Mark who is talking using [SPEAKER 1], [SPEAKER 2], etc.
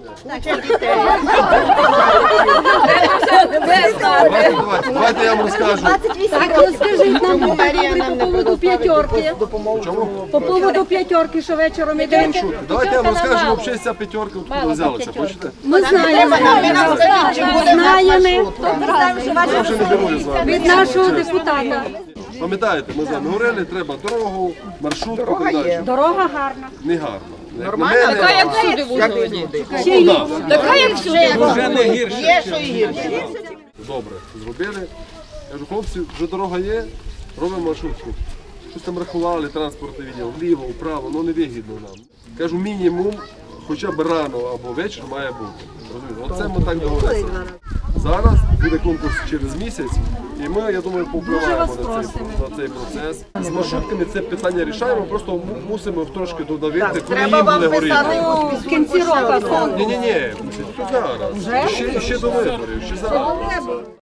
[SPEAKER 1] Давайте я вам розкажу.
[SPEAKER 2] Так, розкажіть нам по поводу п'ятерки.
[SPEAKER 1] Чому?
[SPEAKER 2] По поводу п'ятерки, що вечором йдемо.
[SPEAKER 1] Давайте я вам розкажу, взагалі ця п'ятерка откуда взялася, хочете?
[SPEAKER 2] Ми знаємо. Знаємо.
[SPEAKER 1] Я вже не герою з вами.
[SPEAKER 2] Від нашого депутата.
[SPEAKER 1] Пам'ятаєте, ми з вами говорили, треба дорогу, маршрутку і так далі.
[SPEAKER 2] Дорога гарна.
[SPEAKER 1] Не гарно. Нормально?
[SPEAKER 3] Така як всюди в Ужгороді. Така як всюди.
[SPEAKER 4] Є, що і гірше.
[SPEAKER 1] Добре, зробили. Кажу, хлопці, вже дорога є, робимо маршрутку. Щось там рахували, транспортне відділ, вліво, вправо, ну не вигідно нам. Кажу, мінімум, хоча б рано або вечір має бути. Розумієте? Оце ми так договорилися. Зараз буде конкурс через місяць, і ми, я думаю, повпливаємо на цей процес. З маршрутками це питання рішаємо, просто мусимо трошки додавити, коли їм буде горіти.
[SPEAKER 2] В кінці року.
[SPEAKER 1] Ні, тут зараз. Ще до виборів, ще зараз.